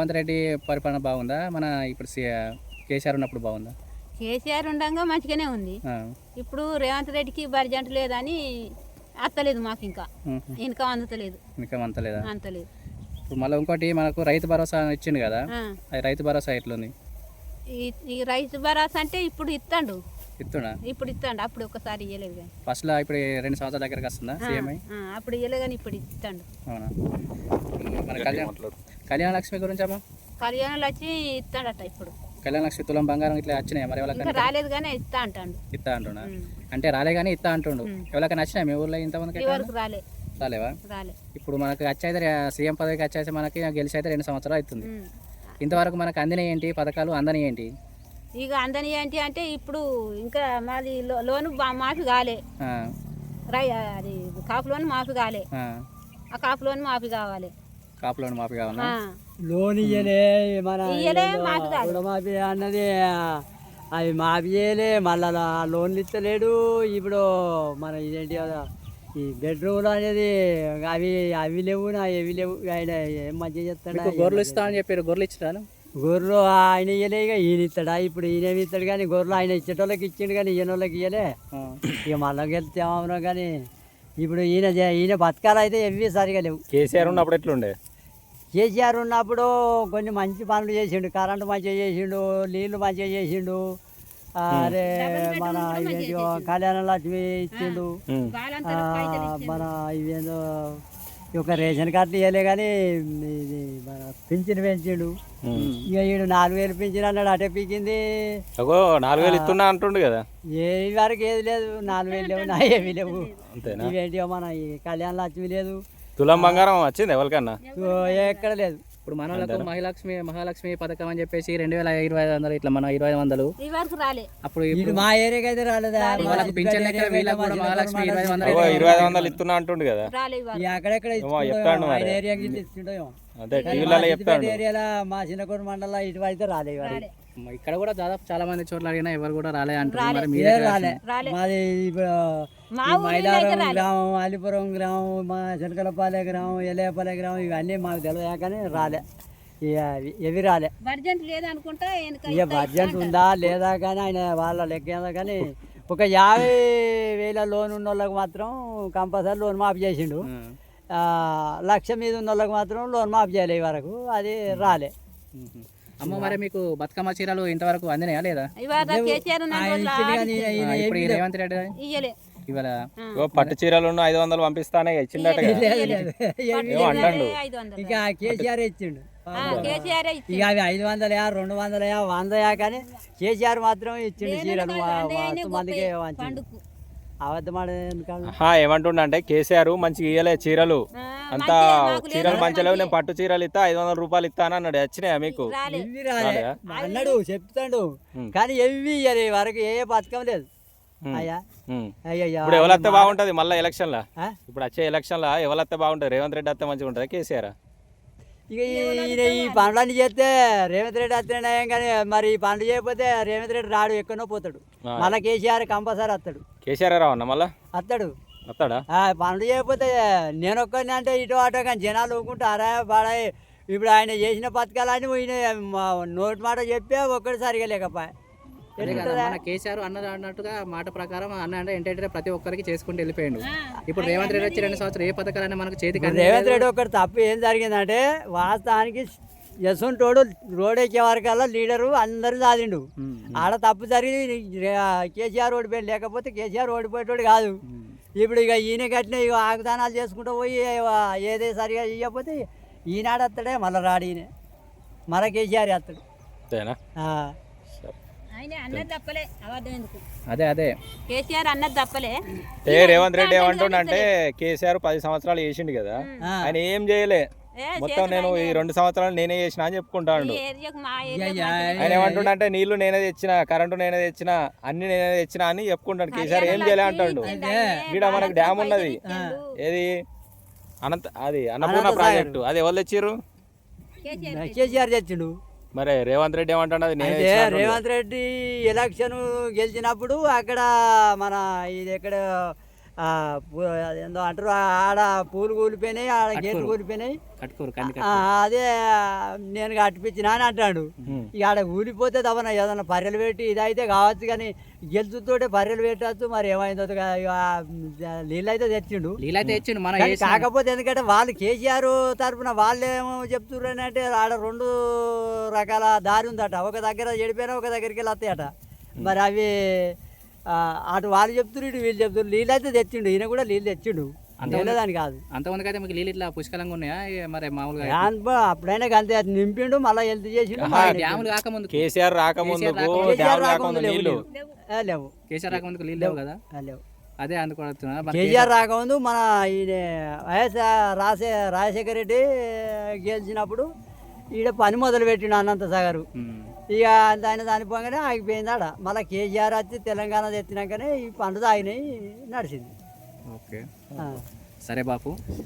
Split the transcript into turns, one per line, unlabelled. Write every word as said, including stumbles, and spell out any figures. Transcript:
రేవంత్ రెడ్డి పరిపాలన బాగుందా, మన ఇప్పుడు కేసీఆర్ ఉన్నప్పుడు బాగుందా?
కేసీఆర్ ఉండగా మంచిగానే ఉంది. ఇప్పుడు రేవంత్ రెడ్డికి బడ్జెట్ లేదని అత్తలేదు మాకు, ఇంకా ఇన్కమ్ అందుతలేదు.
ఇన్కమ్ అంతలేదా?
అంతలేదు.
ఇప్పుడు మళ్ళీ ఇంకోటి మనకు రైతు భరోసా ఇచ్చిండు కదా, అది రైతు భరోసా ఎట్లుంది?
ఈ రైతు భరోసా అంటే ఇప్పుడు ఇస్తాడు,
ఇస్తున్నా
ఇప్పుడు ఇస్తాడు. అప్పుడు ఒకసారి ఇవ్వలేదు కానీ
ఫస్ట్ లో ఇప్పుడు రెండు సంవత్సరాల దగ్గరకు వస్తుందా సీఎంఐ?
అప్పుడు ఇవ్వలేదు కానీ ఇప్పుడు ఇస్తాడు.
అవునా? మన కళ్యాణ కళ్యాణ లక్ష్మి గురించి అమ్మా,
కళ్యాణ లక్ష్మి ఇస్తాడట. ఇప్పుడు
కళ్యాణ లక్ష్మి తులం బంగారం ఇట్లా వచ్చినాయి మరి ఎవరికైనా?
రాలేదు కానీ ఇస్తా అంటాడు.
ఇస్తా అంటున్నా అంటే రాలే కానీ ఇస్తా అంటుండు. ఎవరికైనా నచ్చినాయి మీ ఊర్లో ఇంతమందికి?
రాలే.
రాలేవా? రాలే. ఇప్పుడు మనకు వచ్చైతే సీఎం పదవికి వచ్చేసి మనకి గెలిచి అయితే రెండు సంవత్సరాలు అవుతుంది. ఇంతవరకు మనకు అందినవి ఏంటి పథకాలు, అందని ఏంటి?
ఇక అందని ఏంటి అంటే ఇప్పుడు ఇంకా మాది లోను మాఫీ కాలే, అది కాపు లోన్ మాఫీ కాలే. ఆ కాపు లోన్ మాఫీ కావాలి.
కాపు లోన్ మాఫీ కావాలా?
లోన్ ఇయ్యలే, మన మాఫీ అన్నది అవి మాఫీ చేయలే, మళ్ళా లోన్లు ఇస్తలేడు. ఇప్పుడు మన ఇదేంటి ఈ బెడ్రూమ్లు అనేది అవి అవి లేవు, నా ఎవి లేవు. ఆయన ఏం మంచిగా చెప్తాడు.
గొర్రెలు ఇస్తా అని చెప్పారు, గొర్రెలు ఇచ్చాను.
గొర్రెలు ఆయన ఇయ్యలే, ఇక ఈయన ఇస్తాడా? ఇప్పుడు ఈయన ఇస్తాడు కానీ గొర్రెలు ఆయన ఇచ్చేటోళ్ళకి ఇచ్చిండు కానీ ఈయన వాళ్ళకి ఇయ్యలే. ఇక మళ్ళీ వెళ్తే ఏమన్నా కానీ ఇప్పుడు ఈయన ఈయన బతకాలు అయితే ఎవి సరిగా లేవు.
కేసీఆర్ ఉన్నప్పుడు ఎట్లుండే?
కేసీఆర్ ఉన్నప్పుడు కొన్ని మంచి పనులు చేసిండు, కరెంటు మంచిగా చేసిండు, నీళ్లు మంచిగా చేసిండు. అరే మన ఇవేంటి కళ్యాణ లక్ష్మి ఇచ్చిండు, మన ఇవేందో ఒక రేషన్ కార్డు ఇవ్వలే కానీ ఇది మన పింఛన్ పెంచిండు. ఇక ఈడు నాలుగు వేలు పింఛన్ అన్నాడు, అటే పీకింది.
నాలుగు వేలు ఇస్తున్నా అంటుండు కదా,
ఏ వరకు ఏది లేదు, నాలుగు వేలు లేవు, నా ఏమి లేవు. ఇవేంటి మన ఈ కళ్యాణ లక్ష్మి లేదు,
తులం బంగారం వచ్చింది ఎవరికన్నా?
ఎక్కడ లేదు.
ఇప్పుడు మన వాళ్ళకు మహాలక్ష్మి మహాలక్ష్మి పథకం అని చెప్పేసి రెండు వేల ఇరవై ఐదు వందలు ఇట్లా మన ఇరవై ఐదు వందలు
అప్పుడు మా ఏరియాకి అయితే రాలేదు.
ఇరవై ఐదు వందలు ఇస్తున్నా అంటుండు కదా,
అక్కడెక్కడ ఏరియాలో మా చిన్నకోట మండలం ఇటు అయితే రాలేదు.
ఇక్కడ కూడా దాదాపు చాలా మంది చోట్ల అడిగినా ఎవరు కూడా రాలే అంటారు.
మాది ఇప్పుడు మైలారం గ్రామం, అలిపురం గ్రామం, మా చిలకలపాలె గ్రామం, ఎలేపల్లె గ్రామం ఇవన్నీ మాకు తెలియదు కానీ రాలే, ఎవి రాలే. ఇక బడ్జెట్ ఉందా లేదా కానీ ఆయన వాళ్ళ లెక్క కానీ ఒక యాభై వేల లోన్ ఉన్న వాళ్ళకి మాత్రం కంపల్సరీ లోన్ మాఫీ చేసిండు. లక్ష మీద ఉన్న వాళ్ళకి మాత్రం లోన్ మాఫీ చేయలే వరకు, అది రాలే.
అమ్మ మరి మీకు బతుకమ్మ చీరలు ఇంతవరకు అందినాయా లేదా? రేవంత్ రెడ్డి ఇవాళ
పట్టు చీరలు ఐదు వందలు పంపిస్తానే ఇచ్చిండట, అంటాడు.
ఇక కేసీఆర్ ఇచ్చిండు. ఇక అవి ఐదు వందలయా రెండు వందలయా వందయా కానీ కేసీఆర్ మాత్రం ఇచ్చిండు చీరలు మందికి.
ఏమంటుండ అంటే కేసీఆర్ మంచిగా ఇయ్యలే చీరలు, అంతా చీరలు మంచిగా లేవు, నేను పట్టు చీరలు ఇస్తా ఐదు వందల రూపాయలు ఇస్తాను అన్నాడు. వచ్చినాయా మీకు?
అన్నాడు, చెప్తాడు కానీ ఎవి ఇయ్యలే వరకు, ఏ పథకం లేదు.
ఇప్పుడు ఎవరైతే బాగుంటది మళ్ళీ ఎలక్షన్ లా? ఇప్పుడు వచ్చే ఎలక్షన్ లా ఎవరైతే బాగుంటది? రేవంత్ రెడ్డి వస్తే మంచిగా ఉంటది, కేసీఆర్?
ఇక ఈయన ఈ పనులన్నీ చేస్తే రేవంత్ రెడ్డి వస్తేనే కానీ మరి ఈ పనులు చేయకపోతే రేవంత్ రెడ్డి రాడు, ఎక్కడో పోతాడు. మళ్ళీ కేసీఆర్ కంపల్సరీ వస్తాడు.
కేసీఆర్ రావన్నా మళ్ళా?
వస్తాడు.
వస్తాడా?
పనులు చేయకపోతే నేను ఒక్కరిని అంటే ఇటు అటో కానీ జనాలు ఊరుకుంటూ అరా పాడాయి. ఇప్పుడు ఆయన చేసిన పథకాలన్నీ ఈయన నోటి మాట చెప్పే ఒక్కటి సరిగా లేకపోయా.
మన కేసీఆర్ అన్నది అన్నట్టుగా మాట ప్రకారం అన్న అంటే ఏంటంటే ప్రతి ఒక్కరికి చేసుకుంటూ వెళ్ళిపోయాడు. ఇప్పుడు రేవంత్ రెడ్డి వచ్చి రెండు సంవత్సరాలు ఏ పథకాలన్నీ మనకు చేతికి?
రేవంత్ రెడ్డి ఒకటి తప్పు ఏం జరిగిందంటే వాస్తవానికి యశ్వంతోడు రోడ్ ఎక్కే వరకల్లా లీడరు అందరూ సాధిండు. ఆడ తప్పు జరిగి కేసీఆర్ ఓడిపోయాడు, లేకపోతే కేసీఆర్ ఓడిపోయేటోడు కాదు. ఇప్పుడు ఇక ఈయన కట్టిన ఇక ఆగ్దానాలు చేసుకుంటూ పోయి ఏదే సరిగా ఇవ్వకపోతే ఈనాడు వస్తాడే, మళ్ళీ రాడు ఈయన, మళ్ళీ కేసీఆర్ వస్తాడు.
అదే అదే
కేసీఆర్ అన్నది తప్పలే.
ఏ రేవంత్ రెడ్డి ఏమంటుండంటే కేసీఆర్ పది సంవత్సరాలు చేసిండు కదా, ఆయన ఏం చేయలే, మొత్తం నేను ఈ రెండు సంవత్సరాలు నేనే చేసిన అని చెప్పుకుంటాడు. ఆయన ఏమంటుండంటే నీళ్లు నేనే తెచ్చిన, కరెంటు నేనే తెచ్చిన, అన్ని నేనే తెచ్చిన అని చెప్పుకుంటాడు. కేసీఆర్ ఏం చేయలే అంటాడు. ఇక్కడ మనకు డ్యామ్ ఉన్నది, ఏది అనంత అది అన్నపూర్ణ ప్రాజెక్టు, అది ఎవరు తెచ్చిర్రు?
కేసీఆర్ తెచ్చిండు.
మరి రేవంత్ రెడ్డి ఏమంటాడు?
అంటే రేవంత్ రెడ్డి ఎలక్షన్ గెలిచినప్పుడు అక్కడ మన ఇది ఎక్కడ ఆ, పూ- ఏందో అంటారు ఆడ పూలు కూలిపోయినాయి ఆడ గేట్లు కూలిపోయినాయి
కట్టుకోరు కంది
ఆ, అదే నేను కట్టిపించిన అని అంటాడు. ఇక ఆడ ఊలిపోతే తప్పన ఏదన్నా పర్రెలు పెట్టి ఇదైతే కావచ్చు కానీ గెలుచుతోటే పర్రెలు పెట్టచ్చు మరి ఏమైందో ఇక నీళ్ళు అయితే తెచ్చిండు.
నీళ్ళైతే ఇచ్చిండు మన
కానీ కాకపోతే ఎందుకంటే వాళ్ళు కేసీఆర్ తరఫున వాళ్ళు ఏమో చెప్తున్నారు అంటే ఆడ రెండు రకాల దారి ఉందట. ఒక దగ్గర చెడిపోయినా ఒక దగ్గరికి వెళ్ళి వస్తాయట. మరి అవి ఆ, అటు వాళ్ళు చెప్తున్నారు ఇటు వీళ్ళు చెప్తున్నారు. నీళ్ళు అయితే తెచ్చిండు, ఈయన కూడా నీళ్ళు తెచ్చిండు, లేదని కాదు.
అంతమందికి అయితే మీకు నీళ్ళు ఇట్లా పుష్కలంగా ఉన్నాయా ఇక మరి మామూలుగా
దానిపై అప్పుడైనా అంతే అది నింపిండు మళ్ళీ హెల్త్ చేసిండు.
డ్యాములు కాకముందు
కేసీఆర్ రాకముందుకు డ్యామ్ రాకముందు నీళ్లు
ఏ, లేవు
కేసీఆర్ రాకముందుకు నీళ్ళు లేవు కదా.
ఆ, లేవు.
అదే అనుకుంటున్నా మరి
కేసీఆర్ రాకముందు మన ఈయన వైఎస్ రాజశే రాజశేఖర రెడ్డి గెలిచినప్పుడు ఈడ పని మొదలు పెట్టిండు అనంత సాగరు.
ఉమ్.
ఇక ఆయన చనిపోగానే ఆగిపోయింది ఆడ. మళ్ళీ కేసీఆర్ వచ్చి తెలంగాణ తెచ్చినాకనే ఈ పండుగ ఆగినాయి నడిచింది.
ఓకే
ఆ.
సరే బాపు.